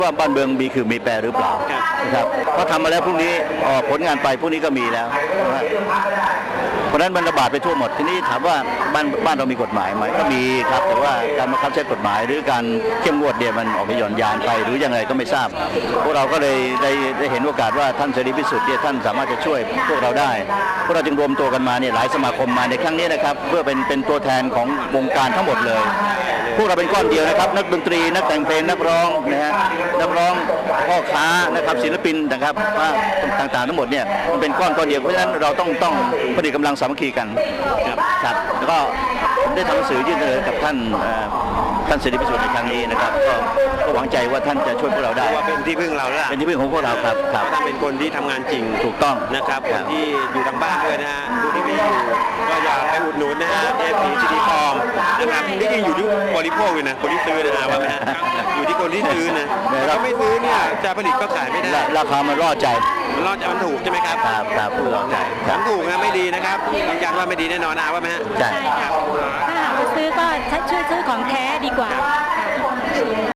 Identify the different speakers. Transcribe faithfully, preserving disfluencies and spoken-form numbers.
Speaker 1: ว่าบ้านเมืองมีคือมีแปรหรือเปล่านะครับเพราะทำมาแล้วพรุ่งนี้ออกผลงานไปพรุ่งนี้ก็มีแล้วนะเพราะฉะนั้นมันระบาดไปทั่วหมดทีนี้ถามว่าบ้านบ้านเรามีกฎหมายไหมก็มีครับแต่ว่าการบังคับใช้กฎหมายหรือการเข้มงวดเนี่ยมันออกไปหย่อนยานไปหรือยังไงก็ไม่ทราบพวกเราก็เลยได้ได้เห็นโอกาสว่าท่านเสรีพิสุทธิ์เนี่ยท่านสามารถจะช่วยพวกเราได้พวกเราจึงรวมตัวกันมาเนี่ยหลายสมาคมมาในครั้งนี้นะครับเพื่อเป็นเป็นตัวแทนของวงการทั้งหมดเลยพวกเราเป็นก้อนเดียวนะครับนักดนตรีนักแต่งเพลงนักร้องนะฮะนักร้องพ่อค้านะครับศิลปินนะครับว่าต่างๆทั้งหมดเนี่ยมันเป็นก้อนก้อนเดียวเพราะฉะนั้นเราต้องต้องผลิตกำลังสามัคคีกันครับครับแล้วก็ผมได้ทำหนังสือยื่นเสนอกับท่านท่านเสรีพิสุทธิ์ในครั้งนี้นะครับก็ก็หวังใจว่าท่านจะช่วยพวกเราได้
Speaker 2: ว่าเป็นที่พึ่งเราแล้ว
Speaker 1: เป็นที่พึ่งของพวกเราครับครับ
Speaker 2: ท่านเป็นคนที่ทำงานจริง
Speaker 1: ถูกต้อง
Speaker 2: นะครับคนที่อยู่ทางบ้านด้วยนะฮะดูที่มีอยู่ก็อยากไปอุดหนุนนะฮะเอฟพีซีดีฟอร์มนะครับที่จริงอยู่ที่บริโภคเลยนะคนที่ซื้อนะฮะว่าไหมฮะอยู่ที่คนที่ซื้อนะถ้าไม่ซื้อเนี่ยจะผลิตก็ขายไม่ได้
Speaker 1: ราคามันล่อใจ
Speaker 2: มันล่อใจมันถูกใช่ไหมครับ
Speaker 1: ครับครับผู้ล่อใจ
Speaker 2: มันถูกนะไม่ดีนะครับยืนยันว่าไม่ดีแน่นอนนะว่าไหมฮะ
Speaker 1: ใช่
Speaker 3: ถ้าหากจะซื้อก็ช่วยซื้อของแท้ดีกว่า